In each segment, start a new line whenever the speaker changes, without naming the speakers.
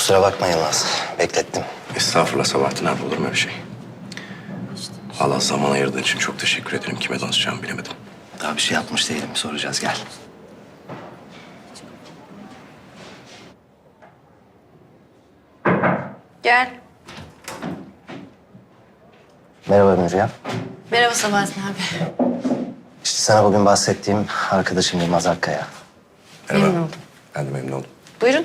Kusura bakma Yılmaz. Beklettim.
Estağfurullah Sabahattin abi, olur mu öyle şey? Allah zaman ayırdığın için çok teşekkür ederim. Kime danışacağımı bilemedim.
Daha bir şey yapmış değilim. Soracağız, gel.
Gel.
Merhaba Müjgan.
Merhaba Sabahattin abi.
İşte sana bugün bahsettiğim arkadaşım Yılmaz Akkaya.
Merhaba.
Memnun oldum.
Ben de memnun oldum.
Buyurun.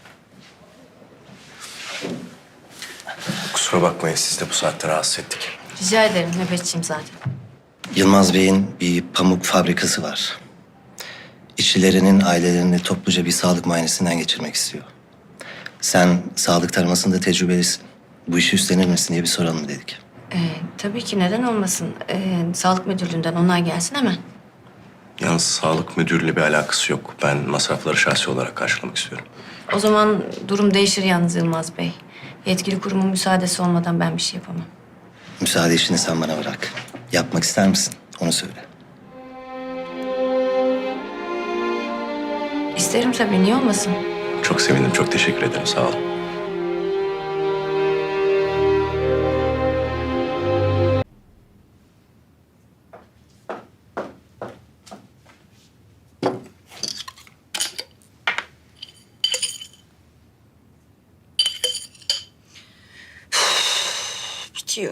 Kusura bakmayın, siz de bu saatte rahatsız ettik.
Rica ederim. Nöbetçiyim zaten.
Yılmaz Bey'in bir pamuk fabrikası var. İşçilerinin ailelerini topluca bir sağlık muayenesinden geçirmek istiyor. Sen sağlık taramasında tecrübelisin. Bu işi üstlenir misin diye bir soralım dedik.
Tabii ki neden olmasın. Sağlık müdürlüğünden onay gelsin hemen.
Yalnız sağlık müdürüyle bir alakası yok. Ben masrafları şahsi olarak karşılamak istiyorum.
O zaman durum değişir yalnız Yılmaz Bey. Yetkili kurumun müsaadesi olmadan ben bir şey yapamam.
Müsaade işini sen bana bırak. Yapmak ister misin? Onu söyle.
İsterim tabii. Niye olmasın?
Çok sevindim, çok teşekkür ederim. Sağ olun.
Bitiyor.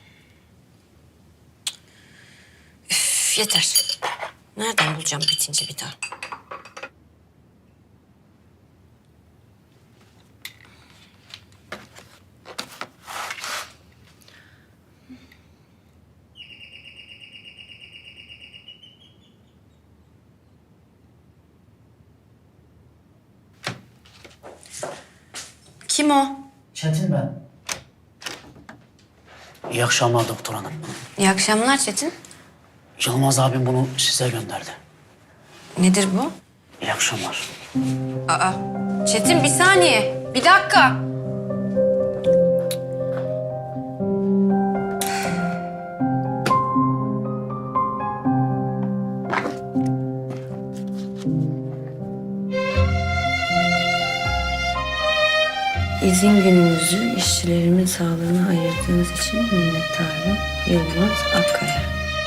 Üf, yeter. Nereden bulacağım bitince bir daha? Kim o?
Çetin ben. İyi akşamlar doktor hanım.
İyi akşamlar Çetin.
Yılmaz abim bunu size gönderdi.
Nedir bu?
İyi akşamlar.
Aa, Çetin bir saniye. Bir dakika. İzin gününüzü işçilerimin sağlığına ayırdığınız için minnettarım. Yılmaz Akkaya.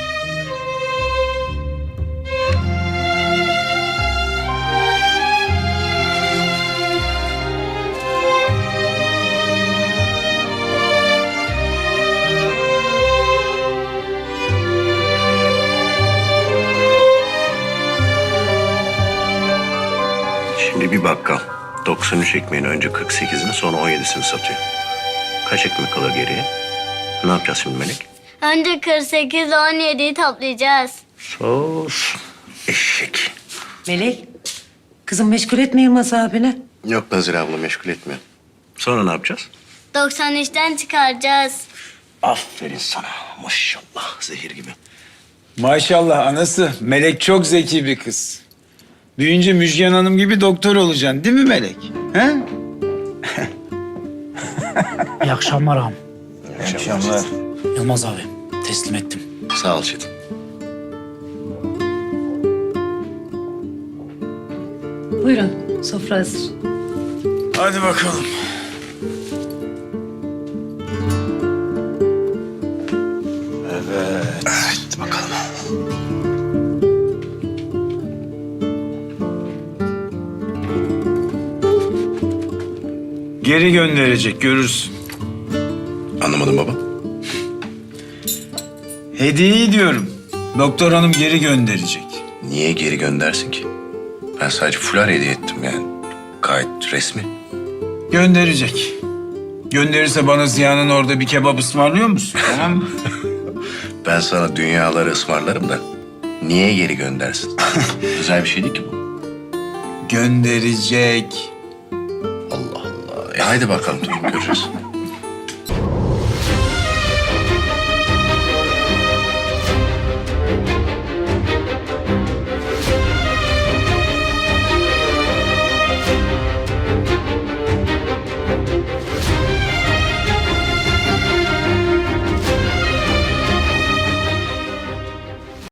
Şimdi bir bakkal 93 ekmeğin önce 48'ini sonra 17'sini satıyor. Kaç ekmek kalır geriye? Ne yapacağız şimdi Melek?
Önce 48 ile 17'yi toplayacağız.
Sos. Eşek.
Melek, kızım meşgul etme Yılmaz abine.
Yok Nazire abla, meşgul etmiyor. Sonra ne yapacağız?
93'ten çıkaracağız.
Aferin sana. Maşallah, zehir gibi.
Maşallah anası. Melek çok zeki bir kız. Büyüyünce Müjgan Hanım gibi doktor olacaksın değil mi Melek? He?
İyi akşamlar ağam.
İyi akşamlar.
Yılmaz abi teslim ettim.
Sağ ol Çetin.
Buyurun, sofra hazır.
Hadi bakalım.
Hadi bakalım.
Geri gönderecek görürsün.
Anlamadım baba.
Hediyeyi diyorum. Doktor hanım geri gönderecek.
Niye geri göndersin ki? Ben sadece fular hediye ettim yani. Gayet resmi.
Gönderecek. Gönderirse bana Ziya'nın orada bir kebap ısmarlıyor musun? Tamam mı?
Ben sana dünyaları ısmarlarım da niye geri göndersin? Özel bir şey değil ki bu.
Gönderecek.
Allah Allah. Haydi bakalım, tamam, göreceğiz.